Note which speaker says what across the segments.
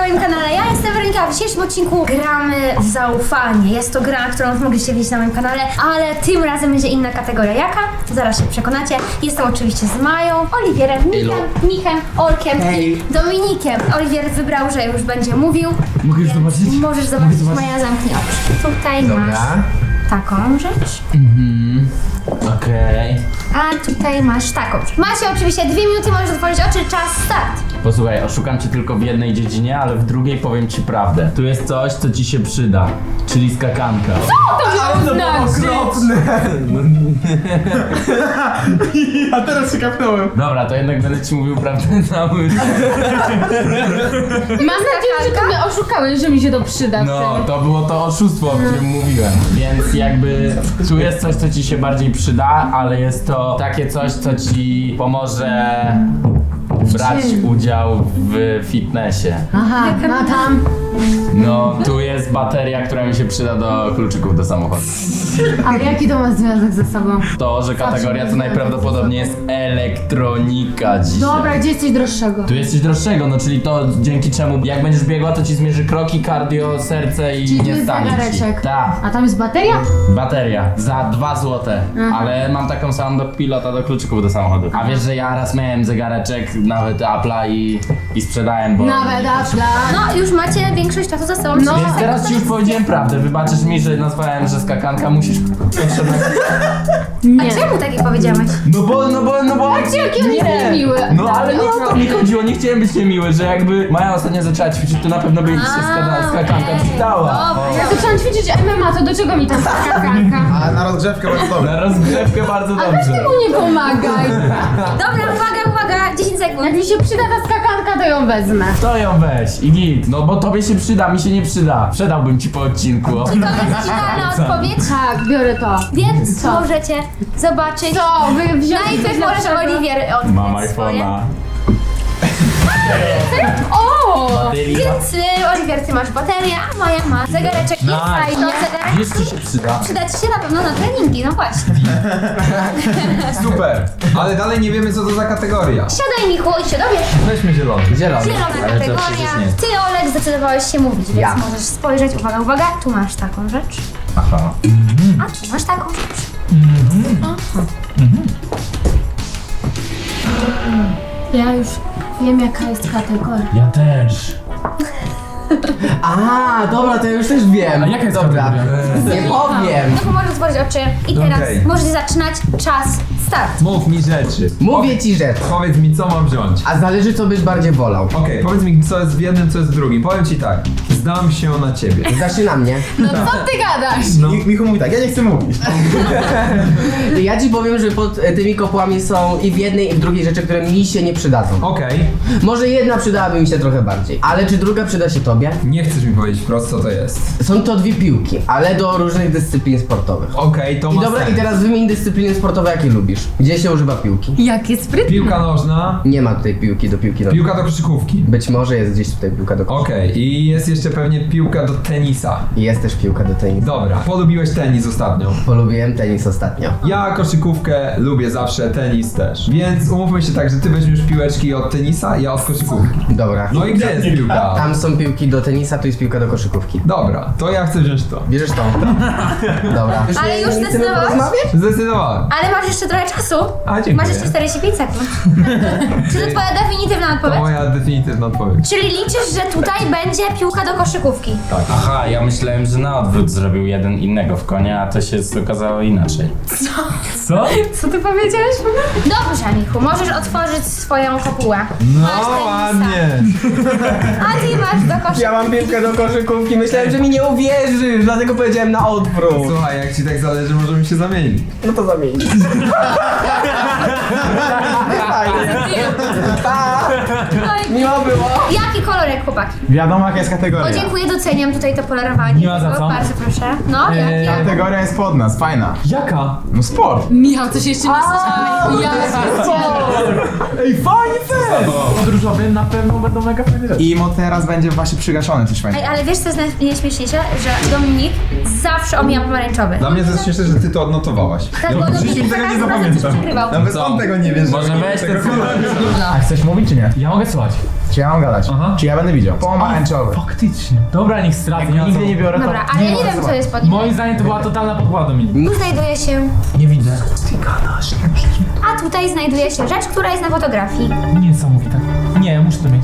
Speaker 1: moim kanale. Ja jestem Weronika, w dzisiejszym odcinku gramy w zaufanie. Jest to gra, którą już mogliście widzieć na moim kanale, ale tym razem będzie inna kategoria. Jaka? Zaraz się przekonacie. Jestem oczywiście z Mają, Oliwierem, Michem, Olkiem i Dominikiem. Oliwier wybrał, że już będzie mówił.
Speaker 2: Mogę już zobaczyć?
Speaker 1: Możesz zobaczyć, Maja, zamknij oczy. Tutaj masz taką rzecz.
Speaker 2: Okej.
Speaker 1: A tutaj masz taką. Macie oczywiście 2 minuty, możesz otworzyć oczy, czas start.
Speaker 2: Posłuchaj, oszukam cię tylko w jednej dziedzinie, ale w drugiej powiem ci prawdę. Tu jest coś, co ci się przyda, czyli skakanka.
Speaker 3: To było okropne! A teraz się kapnąłem.
Speaker 2: Dobra, to jednak będę ci mówił prawdę cały.
Speaker 4: Mam nadzieję, że ty mnie oszukałeś, że mi się to przyda.
Speaker 2: No, to było to oszustwo, o którym mówiłem. Więc jakby tu jest coś, co ci się bardziej przyda, ale jest to takie coś, co ci pomoże brać udział w fitnessie.
Speaker 4: Aha, no tam.
Speaker 2: No, tu jest bateria, która mi się przyda do kluczyków do samochodu.
Speaker 4: A jaki to ma związek ze sobą?
Speaker 2: To, że kategoria to najprawdopodobniej jest elektronika dzisiaj.
Speaker 4: Dobra, gdzie jest coś droższego?
Speaker 2: Tu jest coś droższego, no czyli to dzięki czemu jak będziesz biegła, to ci zmierzy kroki, cardio, serce i
Speaker 4: Czyli tu
Speaker 2: nie
Speaker 4: jest
Speaker 2: stanie ci.
Speaker 4: zegareczek.
Speaker 2: Tak.
Speaker 4: A tam jest bateria?
Speaker 2: Bateria za 2 złote, ale mam taką samą do pilota do kluczyków do samochodu. A wiesz, że ja raz miałem zegareczek, nawet Apple'a i sprzedałem, bo...
Speaker 4: Nawet Apple'a.
Speaker 1: No, już macie większość czasu za sobą.
Speaker 4: No.
Speaker 2: Więc teraz ci już powiedziałem prawdę, wybaczysz mi, że nazwałem, że skakanka musisz...
Speaker 1: A czemu takie powiedziałeś?
Speaker 2: No bo...
Speaker 4: Jaki on jest niemiły.
Speaker 2: No ale nie o to mi chodziło, nie chciałem być niemiły, że jakby Maja ostatnio zaczęła ćwiczyć, to na pewno by jej się skakanka przydała.
Speaker 1: Dobra.
Speaker 4: Ja zaczęłam ćwiczyć MMA, to do czego mi tam skakanka?
Speaker 3: A na rozgrzewkę bardzo dobre.
Speaker 2: Na rozgrzewkę bardzo
Speaker 4: A weź
Speaker 2: dobrze.
Speaker 4: ty mu nie pomagaj.
Speaker 1: Dobra, uwaga, 10 sekund.
Speaker 4: Jak mi się przyda ta skakanka, to ją wezmę.
Speaker 2: To ją weź i git. No bo tobie się przyda, mi się nie przyda. Sprzedałbym ci po odcinku.
Speaker 1: To jest finalna odpowiedź,
Speaker 4: Tak, biorę to.
Speaker 1: więc
Speaker 4: Co?
Speaker 1: możecie zobaczyć.
Speaker 4: Co? Wy wziąłeś
Speaker 1: Najpierw możesz Oliwier odkryć
Speaker 2: Mam
Speaker 1: swoje.
Speaker 2: iPhone'a.
Speaker 4: O!
Speaker 1: Więc Oliwier, ty masz baterię, a Maja ma zegareczek. Jest fajny zegarek.
Speaker 2: Wiesz, co się przyda?
Speaker 1: Przyda ci się na pewno na treningi, no właśnie.
Speaker 3: Super. Ale dalej nie wiemy co to za kategoria.
Speaker 1: Siadaj, Michu, i się dowiesz.
Speaker 3: Weźmy zielony.
Speaker 2: Zielony.
Speaker 1: Zielona
Speaker 2: Ale to przecież
Speaker 1: kategoria.
Speaker 2: nie jest.
Speaker 1: Ty, Olek, zdecydowałeś się mówić, więc
Speaker 2: Ja.
Speaker 1: możesz spojrzeć. Uwaga, tu masz taką rzecz,
Speaker 2: Aha.
Speaker 1: a tu masz taką rzecz.
Speaker 4: Ja już wiem, jaka jest kategoria.
Speaker 2: Ja też.
Speaker 5: A, dobra, to ja już też wiem.
Speaker 2: A jaka jest
Speaker 5: dobra?
Speaker 2: kategoria?
Speaker 5: Nie powiem.
Speaker 1: No to możesz otworzyć oczy i teraz
Speaker 3: Okej.
Speaker 1: możecie zaczynać. Czas, start.
Speaker 3: Mów mi rzeczy.
Speaker 5: Mówię ci rzecz.
Speaker 3: Powiedz mi co mam wziąć.
Speaker 5: A zależy co byś bardziej wolał.
Speaker 3: Okej, powiedz mi co jest w jednym, co jest w drugim. Powiem ci tak. Zdam się na ciebie.
Speaker 5: Zaczyna mnie.
Speaker 4: No co ty gadasz?
Speaker 3: No.
Speaker 6: Michu mówi tak, ja nie chcę mówić.
Speaker 5: Ja ci powiem, że pod tymi kopłami są i w jednej i w drugiej rzeczy, które mi się nie przydadzą.
Speaker 3: Okej.
Speaker 5: Może jedna przydałaby mi się trochę bardziej. Ale czy druga przyda się tobie?
Speaker 3: Nie chcesz mi powiedzieć wprost co to jest.
Speaker 5: Są to 2 piłki, ale do różnych dyscyplin sportowych.
Speaker 3: Okej, to
Speaker 5: I
Speaker 3: ma
Speaker 5: dobra,
Speaker 3: sens.
Speaker 5: i teraz wymień dyscypliny sportowe, jakie lubisz. Gdzie się używa piłki?
Speaker 4: Jakie sprytne.
Speaker 3: Piłka nożna.
Speaker 5: Nie ma tutaj piłki do piłki nożnej.
Speaker 3: Piłka do koszykówki.
Speaker 5: Być może jest gdzieś tutaj piłka do koszykówki.
Speaker 3: Okej, i jest jeszcze pewnie piłka do tenisa.
Speaker 5: I jest też piłka do tenisu.
Speaker 3: Dobra, polubiłeś tenis ostatnio.
Speaker 5: Polubiłem tenis ostatnio.
Speaker 3: Ja koszykówkę lubię zawsze, tenis też. Więc umówmy się tak, że ty weźmiesz piłeczki od tenisa, ja od koszykówki.
Speaker 5: Dobra.
Speaker 3: No i gdzie jest piłka?
Speaker 5: Tam są piłki do tenisa, tu jest piłka do koszykówki.
Speaker 3: Dobra, to ja chcę wziąć to.
Speaker 5: Bierzesz tą? Dobra.
Speaker 1: Ale już
Speaker 5: nie chcemy
Speaker 1: zdecydowałeś?
Speaker 5: porozmawiać?
Speaker 3: Zdecydowałem.
Speaker 1: Ale masz jeszcze trochę czasu.
Speaker 3: A, dziękuję.
Speaker 1: Masz jeszcze 45 sekund. Czy to twoja definitywna
Speaker 3: To
Speaker 1: odpowiedź?
Speaker 3: moja definitywna odpowiedź.
Speaker 1: Czyli liczysz, że tutaj będzie piłka do koszykówki.
Speaker 2: Aha, ja myślałem, że na odwrót zrobił jeden innego w konia, a to się okazało inaczej. Co?
Speaker 4: Co ty powiedziałeś?
Speaker 1: Dobrze, Michu, możesz otworzyć swoją kopułę.
Speaker 3: No
Speaker 1: Masz tenisa.
Speaker 3: ładnie.
Speaker 1: A ty masz do koszykówki.
Speaker 5: Ja mam piłkę do koszykówki, myślałem, że mi nie uwierzysz, dlatego powiedziałem na odwrót.
Speaker 3: Słuchaj, jak ci tak zależy, możemy się zamienić.
Speaker 5: No to zamień. Miło było.
Speaker 1: Jaki kolorek, chłopaki?
Speaker 6: Wiadomo jaka jest kategoria.
Speaker 1: O, dziękuję, doceniam tutaj to polerowanie.
Speaker 2: Nie ma za co.
Speaker 1: Bardzo proszę. No, jakie?
Speaker 6: Kategoria jest pod nas, fajna.
Speaker 3: Jaka?
Speaker 6: No sport.
Speaker 4: Michał, coś jeszcze nie słyszałeś. Ja
Speaker 6: Ej, fajnie fest! Podróżowy na pewno będą mega fajne rzeczy. I teraz będzie właśnie przygaszone coś
Speaker 1: Ej,
Speaker 6: fajnego.
Speaker 1: ale wiesz co jest najśmieszniejsze? Że Dominik zawsze omija pomarańczowy.
Speaker 3: Dla mnie to jest śmieszne, że ty to odnotowałaś.
Speaker 1: Tak, bo Dominik za każdym razem coś przegrywał.
Speaker 6: Nawet
Speaker 2: Co?
Speaker 6: on tego nie wie, że...
Speaker 2: Może weź ten
Speaker 6: A chcesz mówić czy nie?
Speaker 2: Ja mogę słuchać.
Speaker 6: Czy ja mam gadać?
Speaker 2: Aha.
Speaker 6: Czy ja będę widział? Pomarańczowy.
Speaker 2: Faktycznie. Dobra, niech stracę.
Speaker 6: Jak nigdy nie biorę, to...
Speaker 1: Dobra, ale ja nie wiem, co jest pod nim.
Speaker 2: Moim zdaniem to była totalna podkłada, Dominik.
Speaker 1: Tu znajduje się...
Speaker 6: Nie widzę.
Speaker 1: A tutaj znajduje się rzecz, która jest na fotografii.
Speaker 2: Niesamowite. Nie, muszę to mieć.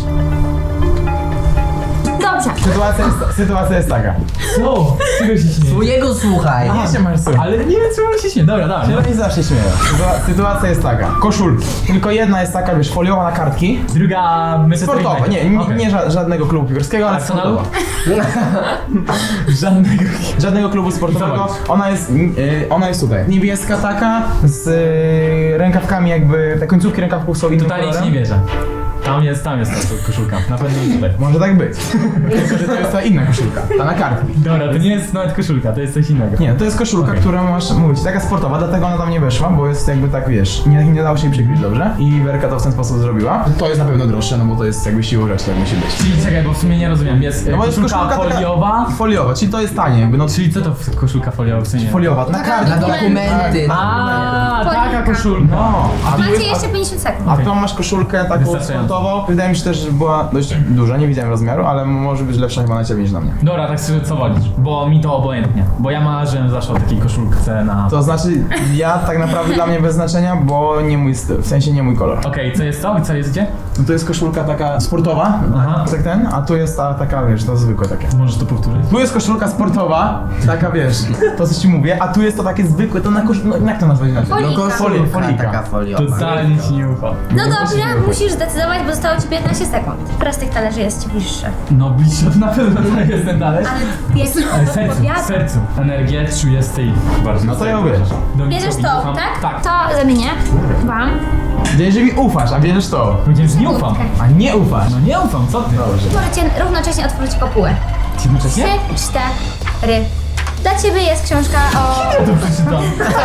Speaker 1: Dobrze.
Speaker 6: Sytuacja jest taka.
Speaker 2: Co? Czego się śmieje?
Speaker 5: Twojego słuchaj.
Speaker 6: Nie się masz słuchać.
Speaker 2: Ale nie wiem, czemu się śmieje. Dobra, dawaj.
Speaker 6: Nie zawsze śmieję. Sytuacja jest taka. Koszulki. Tylko jedna jest taka, wiesz, foliowa na kartki.
Speaker 2: Druga
Speaker 6: Sportowa. Nie,
Speaker 2: Okej.
Speaker 6: nie żadnego klubu piłkarskiego, ale
Speaker 2: Arsenalu?
Speaker 6: sportowa.
Speaker 2: Żadnego.
Speaker 6: Żadnego klubu sportowego. Ona jest tutaj. Niebieska taka, z rękawkami jakby, te końcówki rękawków są innym
Speaker 2: Totalnie ci
Speaker 6: kolorem.
Speaker 2: nie wierzę. Tam jest ta koszulka. Na pewno nie tutaj.
Speaker 6: Może tak być. Tylko, że to jest ta inna koszulka, ta na kartki.
Speaker 2: Dobra, to nie jest nawet koszulka, to jest coś innego.
Speaker 6: Nie, to jest koszulka,
Speaker 2: Okej.
Speaker 6: która masz mówić, taka sportowa, dlatego ona tam nie weszła, bo jest jakby tak, wiesz, nie dało się jej przykryć dobrze i Werka to w ten sposób zrobiła. To jest na pewno droższe, no bo to jest jakby siłą rzeczy, tak musi być.
Speaker 2: Czyli czekaj, bo w sumie nie rozumiem. Jest
Speaker 6: No bo jest
Speaker 2: koszulka
Speaker 6: koszulka taka-
Speaker 2: foliowa.
Speaker 6: Foliowa, czyli to jest tanie jakby, no
Speaker 2: Czyli co to koszulka foliowa w sumie?
Speaker 6: foliowa, na kartki.
Speaker 5: Na dokumenty.
Speaker 2: A, taka
Speaker 1: Folika.
Speaker 2: koszulka.
Speaker 6: No,
Speaker 1: Macie jeszcze 50 sekund.
Speaker 6: a tą masz koszulkę taką
Speaker 2: Wystarczająco.
Speaker 6: sportową. Wydaje mi się też, że była dość duża, nie widziałem rozmiaru, ale może być lepsza chyba na ciebie niż na mnie.
Speaker 2: Dobra, tak szczerze, co wolisz? Bo mi to obojętnie. Bo ja marzyłem zawsze o takiej koszulce na...
Speaker 6: To znaczy, ja tak naprawdę dla mnie bez znaczenia, bo nie mój styl, w sensie nie mój kolor.
Speaker 2: Okej, co jest to? Co jest gdzie?
Speaker 6: No to jest koszulka taka sportowa,
Speaker 2: Aha.
Speaker 6: tak ten, a tu jest ta taka, wiesz, to zwykłe takie.
Speaker 2: Możesz to powtórzyć?
Speaker 6: Tu jest koszulka sportowa, taka wiesz, to co ci mówię, a tu jest to takie zwykłe, to na no jak to nazwać inaczej?
Speaker 1: Folika.
Speaker 6: Folika.
Speaker 5: Taka foliowa.
Speaker 2: Totalnie ci nie ufam.
Speaker 1: No dobrze, musisz zdecydować, bo zostało ci 15 sekund. Która z tych talerzy jest ci bliższa?
Speaker 2: No bliższe to na pewno to jest ten talerz.
Speaker 1: Ale pierwszy
Speaker 2: Ale w sercu,
Speaker 1: odpowiada.
Speaker 2: w sercu. Energię czuję z tej bardzo.
Speaker 6: No to ja ubierzesz.
Speaker 1: Bierzesz to, tak?
Speaker 2: Tak.
Speaker 1: To zamienię wam.
Speaker 6: Wiedziesz, że mi ufasz, a bierzesz to.
Speaker 2: Powiedziałem, że nie ufam.
Speaker 6: A nie ufasz.
Speaker 2: No nie ufam, co ty?
Speaker 6: Dobrze.
Speaker 1: Możecie równocześnie otworzyć kopułę. 3,
Speaker 2: Jednocześnie?
Speaker 1: 4. Dla ciebie jest książka o...
Speaker 2: To przeczytam.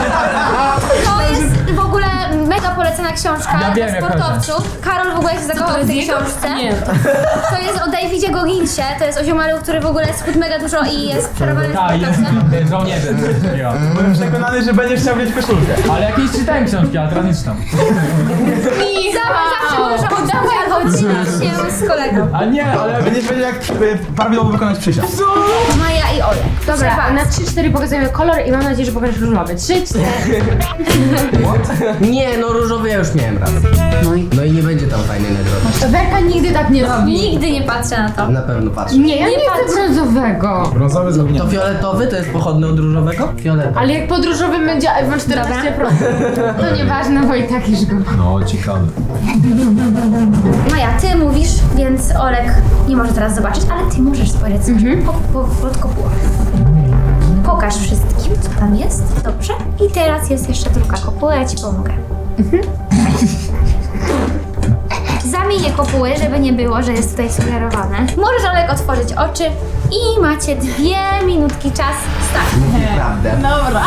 Speaker 1: To jest w ogóle mega polecana książka
Speaker 2: Ja wiem,
Speaker 1: dla
Speaker 2: jak
Speaker 1: sportowców. Karol w ogóle się zakochał w tej książce.
Speaker 4: Nie,
Speaker 1: To jest o Davidzie Gogginsie, to jest o ziomalu, który w ogóle schudł mega dużo i jest przerobany
Speaker 2: Tak, jest
Speaker 1: sportowcem.
Speaker 2: żołnierzem.
Speaker 6: Byłem przekonany, że będziesz chciał mieć koszulkę.
Speaker 2: Ale jakieś czytałem książki, ale teraz nie czytam.
Speaker 1: Zawsze może odchodzić się z kolegą.
Speaker 2: A nie,
Speaker 6: Ale będziesz wiedział, jak prawidłowo wykonać przysiad.
Speaker 1: Maja i Olek.
Speaker 4: Dobra,
Speaker 1: Proszę
Speaker 4: na
Speaker 1: was.
Speaker 4: 3-4 pokazujemy kolor i mam nadzieję, że pokażesz różowy. 3-4.
Speaker 5: Nie, no różowy ja już miałem raz. No i nie będzie tam fajnej nagrody.
Speaker 4: Werka nigdy tak nie robi.
Speaker 1: Nigdy nie patrzę na to.
Speaker 5: Na pewno patrzę.
Speaker 4: Nie, ja nie
Speaker 1: patrz.
Speaker 4: chcę brązowego.
Speaker 6: Brązowy
Speaker 5: To
Speaker 6: zgubnięty.
Speaker 5: fioletowy to jest pochodny od różowego? Fioletowy.
Speaker 4: Ale jak pod różowym będzie iPhone 14%, to nieważne, bo i tak już go.
Speaker 3: No, ciekawe.
Speaker 1: Maja, ty mówisz, więc Olek nie może teraz zobaczyć, ale ty możesz spojrzeć pod kopułę. Pokaż wszystkim, co tam jest. Dobrze. I teraz jest jeszcze druga kopuła, ja ci pomogę. Zamienię kopuły, żeby nie było, że jest tutaj sugerowane. Możesz, Olek, otworzyć oczy i macie 2 minutki czas. Start.
Speaker 5: Prawda.
Speaker 4: Dobra.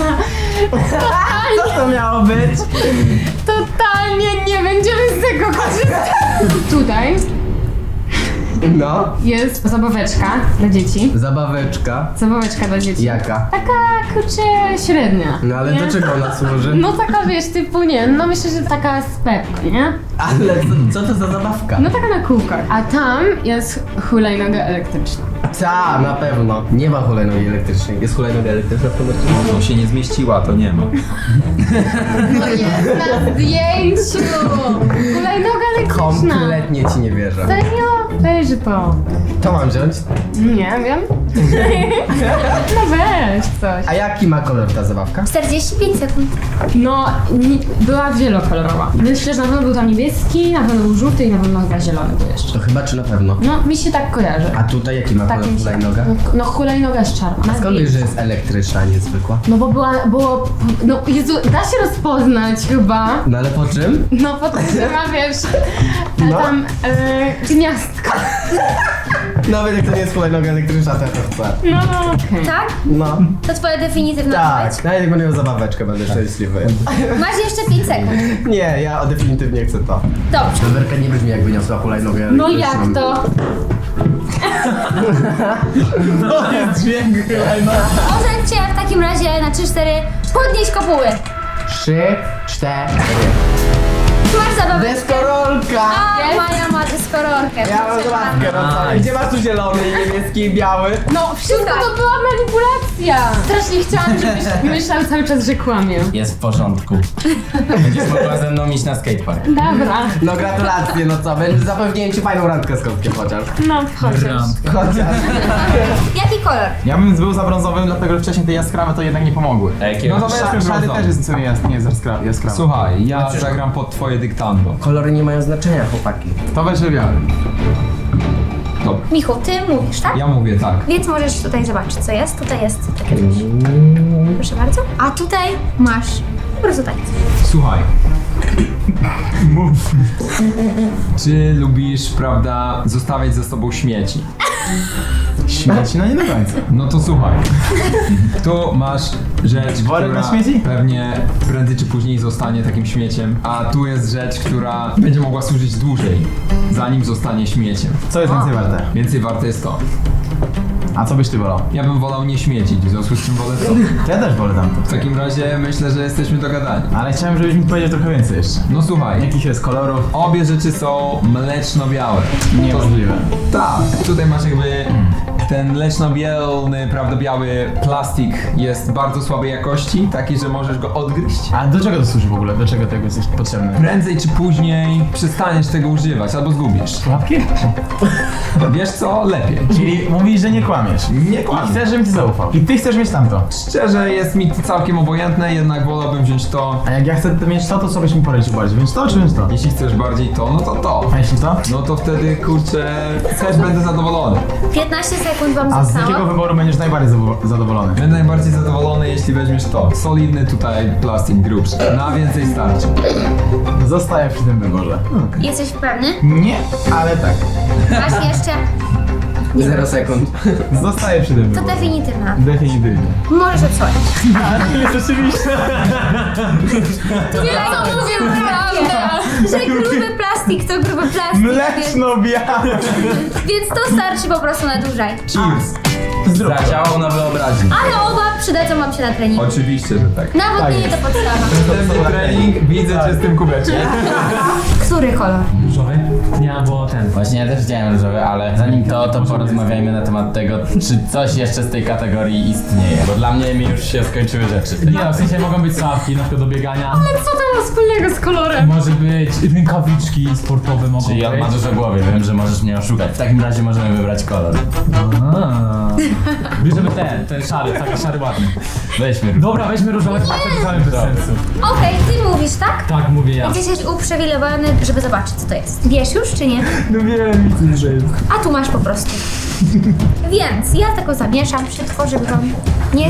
Speaker 6: Co to miało być?
Speaker 4: Totalnie nie będziemy z tego korzystać. Tutaj
Speaker 5: No.
Speaker 4: jest zabaweczka dla dzieci.
Speaker 5: Zabaweczka.
Speaker 4: Zabaweczka dla dzieci.
Speaker 5: Jaka?
Speaker 4: Taka, kurczę, średnia.
Speaker 5: No ale
Speaker 4: nie?
Speaker 5: do czego ona służy?
Speaker 4: No taka, wiesz, typu, nie, no myślę, że taka z Pepko, nie?
Speaker 5: Ale co to za zabawka?
Speaker 4: No taka na kółkach. A tam jest hulajnoga elektryczna.
Speaker 5: Ta, na pewno. Nie ma hulajnogi elektrycznej. Jest hulajnoga elektryczna w promocji?
Speaker 3: No się nie zmieściła, to nie ma.
Speaker 4: No jest na zdjęciu! Hulajnoga elektryczna.
Speaker 5: Kompletnie ci nie wierzę.
Speaker 4: Serio? Weź to.
Speaker 5: To mam wziąć?
Speaker 4: Nie wiem. No weź coś.
Speaker 5: A jaki ma kolor ta zabawka?
Speaker 1: 45 sekund.
Speaker 4: No, była wielokolorowa. Myślę, że na pewno był tam niebieski, na pewno był żółty i na pewno chyba zielony był jeszcze.
Speaker 5: To chyba czy na pewno?
Speaker 4: No, mi się tak kojarzy.
Speaker 5: A tutaj jaki ma
Speaker 4: Tak
Speaker 5: kolor
Speaker 4: mi się...
Speaker 5: hulajnoga?
Speaker 4: No, hulajnoga jest czarna.
Speaker 5: A skąd wiesz, że jest elektryczna, a nie zwykła?
Speaker 4: No bo było... No Jezu, da się rozpoznać chyba.
Speaker 5: No ale po czym?
Speaker 4: No po tym, że ma, wiesz,
Speaker 5: No.
Speaker 4: tam gniazdko.
Speaker 5: Nawet jak to nie jest hulajnoga elektryczna, to ja to chcę.
Speaker 4: No, okej.
Speaker 1: Tak?
Speaker 5: No.
Speaker 1: To twoja definitywna odpowiedź?
Speaker 5: Tak, nawet jak będę miał zabaweczkę, będę szczęśliwy.
Speaker 1: Masz jeszcze 5 sekund.
Speaker 5: Nie, ja definitywnie chcę to.
Speaker 1: Dobrze.
Speaker 5: Werka nie brzmi jakby niosła hulajnogę
Speaker 4: No
Speaker 5: elektryczną.
Speaker 4: jak to?
Speaker 2: To jest dźwięk chyba.
Speaker 1: Możecie w takim razie na 3-4 podnieść kopuły.
Speaker 5: 3, 4.
Speaker 1: masz zabawę.
Speaker 5: Deskorolka!
Speaker 1: A, Maja ma deskorolkę.
Speaker 5: Ja mam zabawkę, no co? Gdzie masz tu zielony, niebieski i biały?
Speaker 4: No, wszystko to była manipulacja. Strasznie chciałam, żebyś myślał cały czas, że kłamię.
Speaker 2: Jest w porządku. Będziesz mogła ze mną iść na skatepark.
Speaker 4: Dobra.
Speaker 5: No gratulacje, no co? Zapewniłem ci fajną randkę z kotkiem chociaż.
Speaker 4: No, chociaż.
Speaker 1: Jaki kolor?
Speaker 6: Ja bym był za brązowym, dlatego że wcześniej te jaskrawe to jednak nie pomogły.
Speaker 2: A jakiego?
Speaker 3: No to weźmy
Speaker 6: Szary
Speaker 3: brązowy.
Speaker 6: też jest sobie nie jest jaskrawy.
Speaker 3: Słuchaj, ja zagram pod twoje dyktando.
Speaker 5: Kolory nie mają znaczenia, chłopaki.
Speaker 6: To weź biały.
Speaker 3: Dobra,
Speaker 1: Michu, ty mówisz, tak?
Speaker 3: ja mówię tak.
Speaker 1: Więc możesz tutaj zobaczyć, co jest. Tutaj jest takie coś. Proszę bardzo. A tutaj masz po prostu tak.
Speaker 3: Słuchaj. Mów. Czy lubisz, prawda, zostawiać ze sobą śmieci?
Speaker 6: Śmieci? No nie do końca.
Speaker 3: No to słuchaj. Tu masz rzecz,
Speaker 6: Worek
Speaker 3: która
Speaker 6: na śmieci?
Speaker 3: pewnie prędzej czy później zostanie takim śmieciem, a tu jest rzecz, która będzie mogła służyć dłużej, zanim zostanie śmieciem.
Speaker 6: Co jest więcej warte?
Speaker 3: Więcej warte jest to.
Speaker 6: A co byś ty wolał?
Speaker 3: Ja bym wolał nie śmiecić, w związku z czym wolę to.
Speaker 6: To ja też wolę tamto.
Speaker 3: W takim razie myślę, że jesteśmy dogadani.
Speaker 6: Ale chciałem, żebyś mi powiedział trochę więcej jeszcze.
Speaker 3: No słuchaj,
Speaker 6: Jakich jest kolorów?
Speaker 3: obie rzeczy są mleczno-białe.
Speaker 6: Niemożliwe.
Speaker 3: Tak, tutaj masz jakby ten mleczno-bielny, prawda, biały plastik jest bardzo słabej jakości, taki, że możesz go odgryźć.
Speaker 6: A do czego to służy w ogóle? Do czego tego jest potrzebne?
Speaker 3: Prędzej czy później przestaniesz tego używać albo zgubisz.
Speaker 6: Łapki?
Speaker 3: Wiesz co? Lepiej.
Speaker 6: Czyli mówisz, że nie kłamiesz.
Speaker 3: Nie
Speaker 6: I
Speaker 3: kłamie.
Speaker 6: chcesz, żebym ci zaufał. I ty chcesz mieć tamto.
Speaker 3: Szczerze jest mi to całkiem obojętne, jednak wolałbym wziąć to.
Speaker 6: A jak ja chcę mieć to, to co byś mi polecił bardziej? Więc to czy więc to?
Speaker 3: Jeśli chcesz bardziej to, no to to.
Speaker 6: A jeśli to?
Speaker 3: No to wtedy, kurczę, też będę zadowolony.
Speaker 1: 15 sekund wam
Speaker 6: A z jakiego
Speaker 1: zostało.
Speaker 6: wyboru będziesz najbardziej zadowolony?
Speaker 3: Będę najbardziej zadowolony, jeśli weźmiesz to. Solidny tutaj plastik grubszy. Na więcej starczy.
Speaker 6: Zostaję przy tym wyborze.
Speaker 1: Jesteś pewny?
Speaker 6: Nie, ale tak.
Speaker 1: Masz jeszcze.
Speaker 5: 0 sekund.
Speaker 6: Zostaję przy tym
Speaker 1: To
Speaker 6: wyborze.
Speaker 1: definitywna.
Speaker 6: Definitywnie.
Speaker 1: Możesz odsłonić.
Speaker 6: Rzeczywiście.
Speaker 1: Tyle co mówię, prawda? Że gruby plastik to gruby plastik.
Speaker 6: Mleczno-białe.
Speaker 1: Więc to starczy po prostu na dłużej.
Speaker 3: Cheers!
Speaker 2: Zadziałał na wyobraźnię.
Speaker 1: Ale oba przydadzą wam się na treningu.
Speaker 3: Oczywiście, że tak.
Speaker 1: Nawodnienie to podstawa.
Speaker 3: Następny trening widzę cię z tym kubeczkiem.
Speaker 1: Który kolor?
Speaker 7: Różowy? Nie, albo ten.
Speaker 2: Właśnie ja też widziałem różowy, ale zanim to porozmawiajmy na temat tego, czy coś jeszcze z tej kategorii istnieje. Bo dla mnie mi już się skończyły rzeczy.
Speaker 7: Nie, w sensie mogą być sławki, na przykład do biegania.
Speaker 4: Co to ma wspólnego z kolorem?
Speaker 7: Może być rękawiczki sportowe mogą
Speaker 2: Czyli on ma
Speaker 7: być.
Speaker 2: dużo głowy, wiem, że możesz mnie oszukać. W takim razie możemy wybrać kolor.
Speaker 7: Bierzemy ten szary, taki szary ładny.
Speaker 2: Weźmy różowy.
Speaker 7: Dobra, weźmy różowy, tak to bez sensu.
Speaker 1: Okej, ty mówisz, tak?
Speaker 7: Tak, mówię ja.
Speaker 1: Więc jesteś uprzywilejowany, żeby zobaczyć, co to jest. Wiesz już, czy nie?
Speaker 7: No wiem, nic nie jest.
Speaker 1: A tu masz po prostu. Więc ja tego zamieszam, przetworzę wam. Nie.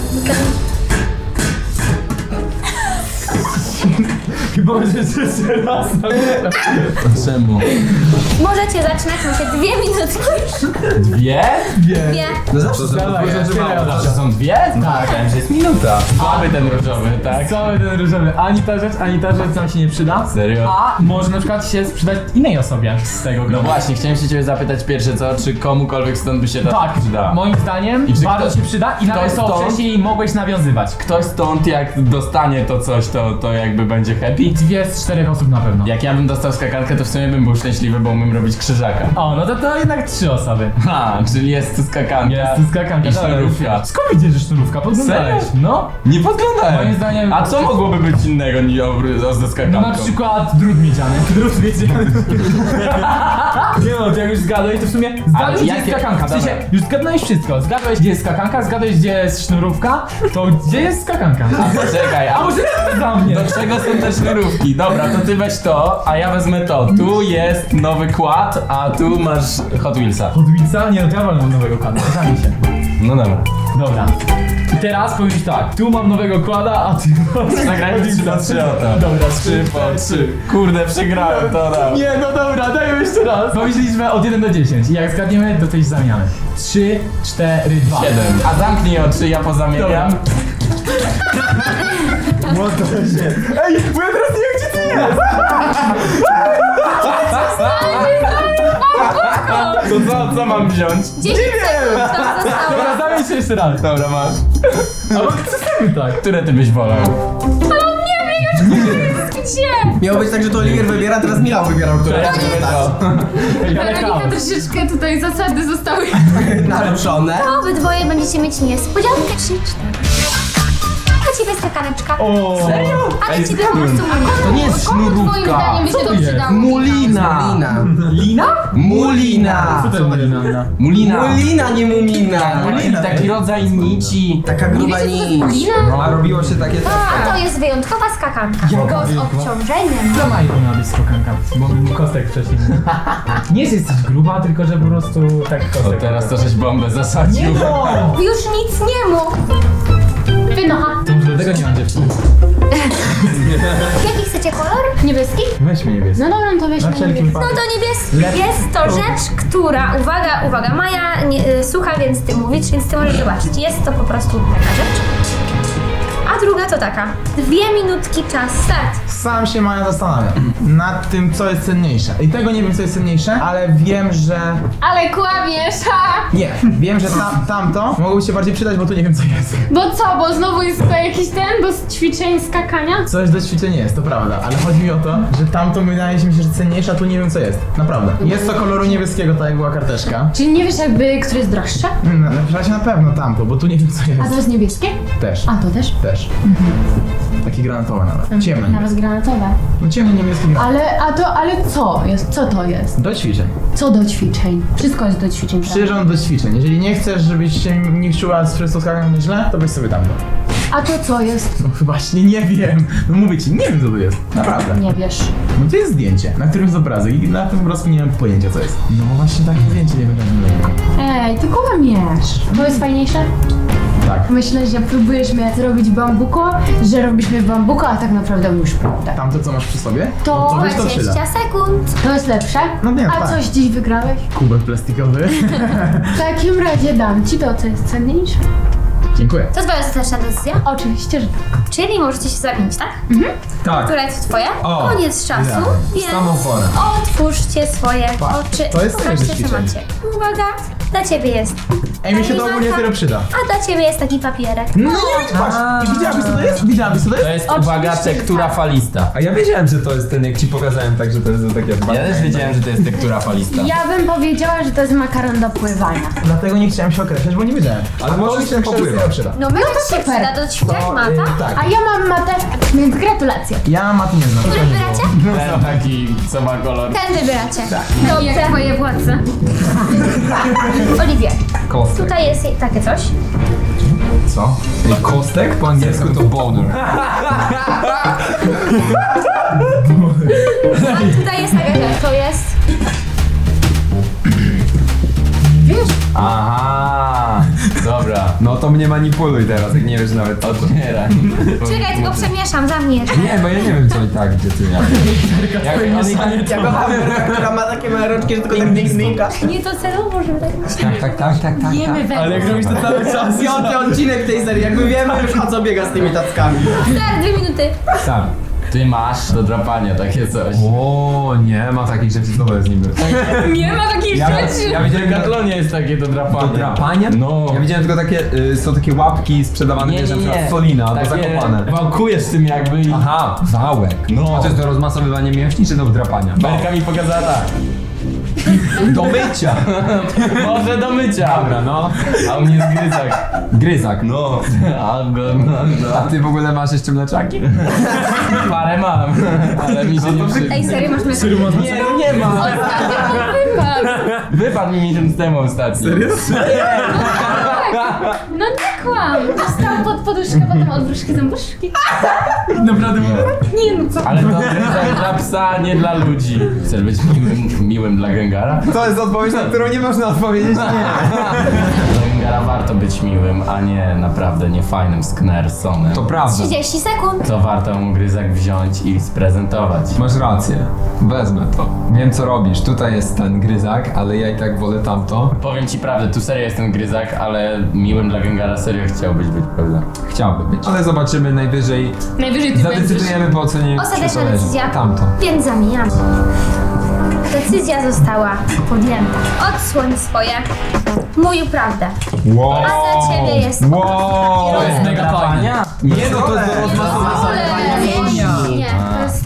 Speaker 7: Chyba będzie jeszcze raz.
Speaker 2: Czemu?
Speaker 1: Możecie zaczynać, macie 2 minutki.
Speaker 2: Dwie?
Speaker 1: Dwie.
Speaker 3: No zawsze
Speaker 7: Dawaj, ja tyle
Speaker 2: Zawsze są dwie? Tak. Myślałem, że jest minuta. Słaby ten różowy, tak?
Speaker 7: Cały ten różowy. Ani ta rzecz nam się nie przyda.
Speaker 2: Serio?
Speaker 7: A może na przykład się sprzedać innej osobie z tego
Speaker 2: No
Speaker 7: grona.
Speaker 2: właśnie, chciałem się ciebie zapytać pierwsze co, czy komukolwiek stąd by się to
Speaker 7: Tak,
Speaker 2: przyda?
Speaker 7: moim zdaniem
Speaker 2: I czy
Speaker 7: bardzo
Speaker 2: kto-
Speaker 7: się przyda i nawet to
Speaker 2: stąd-
Speaker 7: wcześniej mogłeś nawiązywać.
Speaker 2: Ktoś stąd jak dostanie to coś, to jakby będzie happy?
Speaker 7: 2 z 4 osób na pewno.
Speaker 2: Jak ja bym dostał skakankę, to w sumie bym był szczęśliwy, bo umiem robić krzyżaka.
Speaker 7: O, no to jednak 3 osoby.
Speaker 2: Ha, czyli jest tu skakanka.
Speaker 7: Jest tu skakanka.
Speaker 2: I
Speaker 7: dobra,
Speaker 2: sznurówka.
Speaker 7: Skąd widzisz, że sznurówka? Podglądałeś?
Speaker 2: Serio?
Speaker 7: No.
Speaker 2: Nie podglądałem.
Speaker 7: Moim zdaniem-
Speaker 2: A co mogłoby być innego niż ze skakanką?
Speaker 7: No na przykład drut miedziany. Drut miedziany. Nie no, to jak już zgadłeś, to w sumie zgadłeś, gdzie jest
Speaker 2: jakie-
Speaker 7: skakanka. W sensie,
Speaker 2: Dobra.
Speaker 7: już zgadłeś wszystko. Zgadłeś, gdzie jest skakanka, zgadłeś, gdzie jest sznurówka, to gdzie jest skakanka?
Speaker 2: Czekaj,
Speaker 7: A może dla mnie?
Speaker 2: do czego są te sznurówki? Dobra, to ty weź to, a ja wezmę to. Tu jest nowy kład, a tu masz Hot Wheelsa.
Speaker 7: Od Wilca? Nie no, to ja walnę nowego kłada, zamień się.
Speaker 2: No dobra.
Speaker 7: Dobra. I teraz powiesz tak, tu mam nowego kłada, a ty masz...
Speaker 2: Zagrajmy 3 na 3 o to.
Speaker 7: Dobra,
Speaker 2: 3 po 3. Kurde, przegrałem to dam.
Speaker 7: Nie, no dobra, dajmy jeszcze raz. Powiedz liczbę od 1 do 10 i jak zgadniemy, to coś zamiany. 3, 4, 2.
Speaker 2: 7. A zamknij oczy, ja pozamieniam.
Speaker 7: Ej, bo ja teraz nie wiem, gdzie ty jest!
Speaker 2: To co mam wziąć?
Speaker 1: 10 sekund tam zostało.
Speaker 7: Dobra, zamień się jeszcze raz.
Speaker 2: Dobra, masz.
Speaker 7: Albo przestańmy tak.
Speaker 2: Które ty byś wolał?
Speaker 1: Ale on nie wie,
Speaker 4: Gdzie?
Speaker 5: Miało być tak, że to Oliwier wybiera, teraz Michał wybierał, który
Speaker 4: Weronika, troszeczkę tutaj zasady zostały...
Speaker 5: naruszone.
Speaker 1: To obydwoje będziecie mieć niespodziankę. 3, 4. Dla ciebie stakaneczka.
Speaker 2: Serio?
Speaker 1: Ale ciebie po prostu
Speaker 2: To nie jest
Speaker 4: Twoim
Speaker 2: sznurówka.
Speaker 4: zdaniem by się to przydało?
Speaker 2: Mulina.
Speaker 5: Mulina.
Speaker 2: Mulina.
Speaker 7: Co to jest Mulina?
Speaker 2: Mulina.
Speaker 5: Mulina, nie mumina.
Speaker 2: Mulina. Taki rodzaj nici.
Speaker 5: Taka gruba nic.
Speaker 4: Mulina?
Speaker 3: A robiło się takie...
Speaker 1: A to jest wyjątkowa skakanka. Tylko z obciążeniem.
Speaker 7: Co ma miała być skokanka? Bo Kostek wcześniej mówił. Nie jest jesteś gruba, tylko że po prostu tak
Speaker 2: To
Speaker 7: Kostek.
Speaker 2: teraz to żeś bombę zasadził.
Speaker 7: Nie no!
Speaker 1: Już nic nie mógł. Wynocha.
Speaker 7: To może dlatego nie mam dziewczyny.
Speaker 1: Jaki chcecie kolor?
Speaker 4: Niebieski?
Speaker 7: Weźmy niebieski.
Speaker 4: No dobra, no to
Speaker 7: Na
Speaker 4: weźmy
Speaker 7: wszelki
Speaker 4: niebieski.
Speaker 1: No
Speaker 7: wypadek.
Speaker 1: to niebieski. Jest to rzecz, która, uwaga, Maja słucha, więc ty mówisz, więc ty możesz zobaczyć. Jest to po prostu taka rzecz. A druga to taka. 2 minutki czas, start.
Speaker 6: Sam się Maja zastanawiam nad tym, co jest cenniejsze. I tego nie wiem, co jest cenniejsze, ale wiem, że...
Speaker 4: Ale kłamiesz, ha!
Speaker 6: Nie, wiem, że tamto mogłoby się bardziej przydać, bo tu nie wiem, co jest.
Speaker 4: Bo co, bo znowu jest to jakiś bo z ćwiczeń skakania?
Speaker 6: Coś do ćwiczenia jest, to prawda, ale chodzi mi o to, że tamto wydaje mi się, że cenniejsze, a tu nie wiem, co jest. Naprawdę. Jest to koloru niebieskiego, tak jak była karteczka.
Speaker 4: Czyli nie wiesz jakby, który jest droższy?
Speaker 6: Na razie na pewno tamto, bo tu nie wiem, co
Speaker 4: A to
Speaker 6: jest.
Speaker 4: jest niebieskie?
Speaker 6: Też.
Speaker 4: A to też?
Speaker 6: Też. Taki granatowy nawet. Ciemny.
Speaker 4: Nawet granatowe.
Speaker 6: No ciemny niebieski granat.
Speaker 4: Ale co jest? Co to jest?
Speaker 6: Do ćwiczeń.
Speaker 4: Co do ćwiczeń? Wszystko jest do ćwiczeń, prawda?
Speaker 6: Przyrząd do ćwiczeń. Jeżeli nie chcesz, żebyś się nie czuła z przystosowaniu źle, to weź sobie tamto.
Speaker 4: A to co jest?
Speaker 6: No właśnie nie wiem. No mówię ci, nie wiem, co to jest. Naprawdę.
Speaker 4: Nie wiesz.
Speaker 6: No to jest zdjęcie, na którym jest obrazek i na tym obrazku nie mam pojęcia, co jest. No właśnie takie zdjęcie nie wiem.
Speaker 4: Ej, ty kłamiesz. To jest fajniejsze?
Speaker 6: Tak.
Speaker 4: Myślę, że próbujesz mnie zrobić bambuko, że robisz mnie bambuko, a tak naprawdę mówisz prawdę.
Speaker 6: Tamto, co masz przy sobie?
Speaker 4: To
Speaker 6: no to weź to
Speaker 1: 20
Speaker 6: przyda.
Speaker 1: sekund.
Speaker 4: To jest lepsze?
Speaker 6: No nie,
Speaker 4: A
Speaker 6: tak.
Speaker 4: coś dziś wygrałeś?
Speaker 6: Kubek plastikowy.
Speaker 4: W takim razie dam ci to, co jest cenniejsze.
Speaker 6: Dziękuję.
Speaker 1: To twoja ostateczna decyzja?
Speaker 4: Oczywiście, że tak.
Speaker 1: Czyli możecie się zamienić, tak?
Speaker 3: Tak.
Speaker 1: Która jest twoja?
Speaker 3: O,
Speaker 1: Koniec czasu,
Speaker 6: idealnie.
Speaker 1: więc
Speaker 3: Samą porę.
Speaker 1: otwórzcie swoje oczy
Speaker 6: to jest
Speaker 1: i pokażcie, co
Speaker 6: ćwiczenie.
Speaker 1: macie. Uwaga, dla ciebie jest.
Speaker 6: Ej, mi się to ogólnie dopiero przyda.
Speaker 1: A dla ciebie jest taki papierek.
Speaker 6: No nie wiem, patrz. I widziałabyś, co to jest? Widziałabyś, co to
Speaker 2: To
Speaker 6: jest?
Speaker 2: jest, uwaga, tektura falista.
Speaker 3: A ja wiedziałem, że to jest ten, jak ci pokazałem, tak, że to jest takie...
Speaker 2: Ja też wiedziałem, że to jest tektura falista.
Speaker 4: Ja bym powiedziała, że to jest makaron do pływania.
Speaker 6: Dlatego nie chciałem się określać, bo nie wiedziałem.
Speaker 3: Ale
Speaker 6: A
Speaker 3: możesz
Speaker 6: to mi się
Speaker 3: popływać.
Speaker 6: przyda.
Speaker 1: No my to się
Speaker 4: super.
Speaker 1: przyda do ćwiczeń mata.
Speaker 6: Tak.
Speaker 4: A ja mam matę, więc gratulacje.
Speaker 6: Ja maty nie znam.
Speaker 1: Który wybieracie?
Speaker 2: Ten taki, co ma kolor.
Speaker 1: Ten wybieracie.
Speaker 4: I jak
Speaker 1: Dobrze.
Speaker 4: twoje władze.
Speaker 1: Oliwie,
Speaker 3: Kostek.
Speaker 1: tutaj jest takie coś.
Speaker 3: Co? Ej, kostek? Po angielsku to boner.
Speaker 1: A tutaj jest taka rzecz. To jest...
Speaker 2: Aha, dobra.
Speaker 3: No to mnie manipuluj teraz, jak nie wiesz nawet co to.
Speaker 2: Otwieraj.
Speaker 1: Czekaj, tylko przemieszam, zamknij jeszcze.
Speaker 3: Nie, bo ja nie wiem co i tak, gdzie ty ja.
Speaker 2: Jak on i tak...
Speaker 5: Ja kocham Werkę, która ma takie małe rączki, że tylko tak ding-dinga.
Speaker 1: Nie to celowo, żeby tak myśleć.
Speaker 3: Tak.
Speaker 4: Jemy węgiel.
Speaker 6: Ale jak robisz to cały czas.
Speaker 5: Piąty odcinek tej serii, jakby wiemy już o co biega z tymi tackami.
Speaker 1: Start, 2 minuty.
Speaker 3: Sam.
Speaker 2: Ty masz do drapania takie coś.
Speaker 3: O nie, ma takich rzeczy, co to jest niby.
Speaker 4: Nie ma takiej
Speaker 3: Ja
Speaker 2: W
Speaker 3: widziałem
Speaker 2: Decathlanie jest takie do drapania.
Speaker 3: do drapania?
Speaker 2: No.
Speaker 3: Ja widziałem tylko takie, są takie łapki sprzedawane, wiesz, na przykład Solina, albo zakopane.
Speaker 2: Wałkujesz tym jakby i...
Speaker 3: Aha, wałek.
Speaker 2: No.
Speaker 3: A to jest do rozmasowywania mięśni, czy do drapania?
Speaker 2: Berka mi pokazała tak.
Speaker 3: Do mycia!
Speaker 2: Może do mycia.
Speaker 3: Dobra, no.
Speaker 2: A u mnie jest gryzak.
Speaker 3: Gryzak.
Speaker 2: No.
Speaker 3: A ty w ogóle masz jeszcze mleczaki?
Speaker 2: Parę mam, ale mi się nie przyda.
Speaker 1: Ej, serio, masz mleko?
Speaker 2: Nie, no nie ma. Wypadł mi miesiąc temu ostatnio. Serio?
Speaker 4: No nie kłam. Dostałam pod poduszkę, potem od wróżki zębuszki.
Speaker 6: Naprawdę mówię.
Speaker 4: Nie no co?
Speaker 2: Ale to gryzak dla psa, nie dla ludzi. Chcesz być miłym dla Gengara?
Speaker 3: To jest odpowiedź, na którą nie można odpowiedzieć nie.
Speaker 2: Dla Gengara warto być miłym, a nie naprawdę niefajnym sknersonem.
Speaker 3: To prawda.
Speaker 1: 30 sekund.
Speaker 2: To warto mu gryzak wziąć i sprezentować.
Speaker 3: Masz rację. Wezmę to. Wiem co robisz. Tutaj jest ten gryzak, ale ja i tak wolę tamto.
Speaker 2: Powiem ci prawdę, tu serio jest ten gryzak, ale miłym dla Gengara serio chciałbyś być, prawda?
Speaker 3: Chciałby być. Ale zobaczymy najwyżej.
Speaker 4: Najwyżej ty będziesz.
Speaker 3: Zadecydujemy po ocenie.
Speaker 1: Ostateczna
Speaker 3: czy to leży.
Speaker 1: decyzja.
Speaker 3: Tamto.
Speaker 1: Więc zamieniamy. Decyzja została podjęta. Odsłoń swoje. Mówił prawdę.
Speaker 3: Wow.
Speaker 1: A dla ciebie jest
Speaker 3: Wow.
Speaker 1: To jest
Speaker 2: mega fajnie.
Speaker 3: Nie no, to jest do rozmasowania.
Speaker 1: Ale-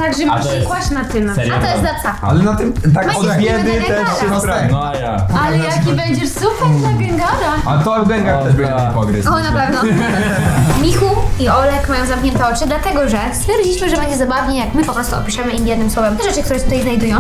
Speaker 4: Tak, że
Speaker 2: A
Speaker 4: masz
Speaker 2: to
Speaker 4: się
Speaker 2: jest-
Speaker 4: kłaść na tym.
Speaker 2: Serio?
Speaker 1: A to jest dla psa.
Speaker 3: Ale na tym tak
Speaker 1: Weź
Speaker 3: od
Speaker 1: się
Speaker 3: biedy
Speaker 1: nie
Speaker 3: też
Speaker 1: będę
Speaker 3: się
Speaker 1: gadać.
Speaker 3: sprawdza.
Speaker 2: No a ja.
Speaker 4: Ale jaki będziesz super dla Gengara.
Speaker 3: A to w gęgach też będzie mnie pogryzł.
Speaker 1: O, na pewno. Michu i Olek mają zamknięte oczy, dlatego że stwierdziliśmy, że będzie zabawnie, jak my po prostu opiszemy im jednym słowem te rzeczy, które się tutaj znajdują.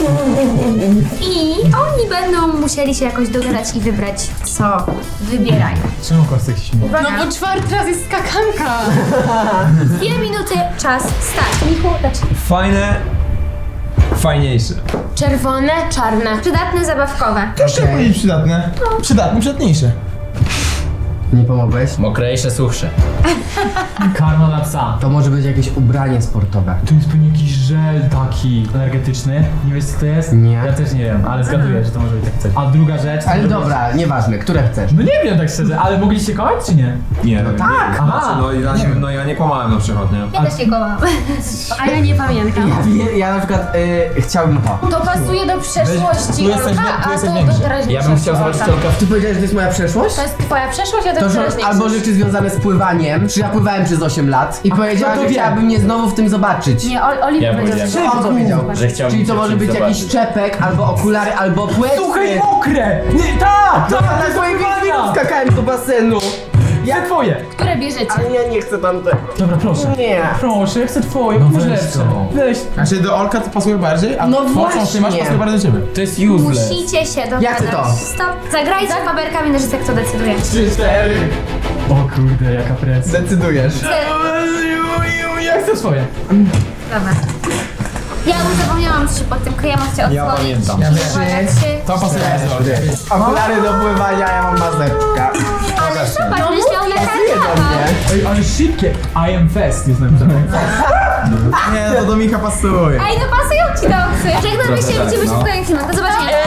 Speaker 1: I oni będą musieli się jakoś dogadać i wybrać, co wybierają.
Speaker 7: Czemu Kostek się śmieje?
Speaker 1: Uwaga,
Speaker 4: No bo 4 razy jest skakanka.
Speaker 1: 2 minuty, czas, start. Michu, zacznij.
Speaker 3: Fajne, fajniejsze.
Speaker 4: Czerwone, czarne.
Speaker 1: Przydatne, zabawkowe.
Speaker 6: Też chciałem powiedzieć przydatne. Przydatne, przydatniejsze.
Speaker 5: Nie pomogłeś?
Speaker 2: Mokrejsze, suchsze.
Speaker 7: Karma dla psa.
Speaker 5: To może być jakieś ubranie sportowe.
Speaker 7: Tu jest pewnie jakiś żel taki energetyczny. Nie wiesz co to jest?
Speaker 5: Nie.
Speaker 7: Ja też nie wiem, ale zgaduję, że to może być tak coś. A druga rzecz... to
Speaker 5: Ale
Speaker 7: może
Speaker 5: dobra, nieważne, które chcesz.
Speaker 7: być- No nie wiem tak szczerze, ale mogliście kochać czy nie?
Speaker 3: Nie, no
Speaker 5: tak.
Speaker 7: Aha.
Speaker 3: No ja nie kłamałem na przykład, nie?
Speaker 1: Ja też nie kołam.
Speaker 4: A ja nie pamiętam.
Speaker 5: Ja na przykład chciałbym to.
Speaker 4: To pasuje do przeszłości
Speaker 6: tu jesteś-
Speaker 4: Olka,
Speaker 6: tu
Speaker 4: a
Speaker 6: jesteś
Speaker 4: to
Speaker 6: większy.
Speaker 4: do teraźniejszości
Speaker 2: Ja bym chciał zobaczyć
Speaker 4: Olka.
Speaker 2: tylko w
Speaker 5: Ty powiedziałeś, że to jest moja przeszłość?
Speaker 4: To jest twoja przeszłość, a to
Speaker 5: To
Speaker 4: jest
Speaker 5: że,
Speaker 4: teraźniejszość.
Speaker 5: albo rzeczy związane z pływaniem, czy ja pływałem przez 8 lat i powiedziała,
Speaker 7: kto to
Speaker 5: że
Speaker 7: wie?
Speaker 5: chciałaby mnie znowu w tym zobaczyć.
Speaker 4: Nie, Oliver
Speaker 2: Ja
Speaker 4: powiedział,
Speaker 2: powiedziałem.
Speaker 4: że
Speaker 5: On powiedział.
Speaker 2: że chciałbym
Speaker 5: Czyli to
Speaker 2: się
Speaker 5: może
Speaker 2: czymś
Speaker 5: być jakiś
Speaker 2: zobaczyć.
Speaker 5: czepek, albo okulary, albo płetwy.
Speaker 7: Słuchaj, mokre! Nie, tak!
Speaker 5: To na swoim filmiku skakałem do basenu.
Speaker 7: Ja twoje!
Speaker 4: które bierzecie.
Speaker 5: Ale ja nie chcę tamtego.
Speaker 7: Dobra, proszę.
Speaker 5: Nie.
Speaker 7: Proszę, ja chcę twoje,
Speaker 3: No
Speaker 7: masz
Speaker 3: weź
Speaker 7: lepsze.
Speaker 3: to.
Speaker 7: Weź.
Speaker 6: Znaczy do Olka to pasuje bardziej, a
Speaker 5: No
Speaker 6: to, co ty masz,
Speaker 5: właśnie.
Speaker 6: pasuje bardziej do ciebie.
Speaker 2: To jest useless.
Speaker 1: Musicie się dogadać.
Speaker 5: Jak to?
Speaker 1: Stop. Zagrajcie paberkami na rzecach, kto decyduje.
Speaker 6: 3, 4.
Speaker 7: O kurde, jaka presja.
Speaker 6: Decydujesz.
Speaker 7: Ja chcę swoje.
Speaker 1: Dobra. Ja już zapomniałam, co się pod tym kryje, chcę odsłonić.
Speaker 2: Ja pamiętam.
Speaker 6: Ja
Speaker 1: Uwaga,
Speaker 6: wiem.
Speaker 1: 3.
Speaker 6: To pasuje do ciebie.
Speaker 5: Okulary do pływania, ja mam mazeczka.
Speaker 1: Ale zobacz, będziesz miał na kartach.
Speaker 7: Ej, ale szybkie. I am fest jest napisane.
Speaker 6: Nie, to do Micha pasuje.
Speaker 1: Ej, no pasują ci te oksy. Żegnamy się, widzimy się w kolejnym filmie. Do zobaczenia.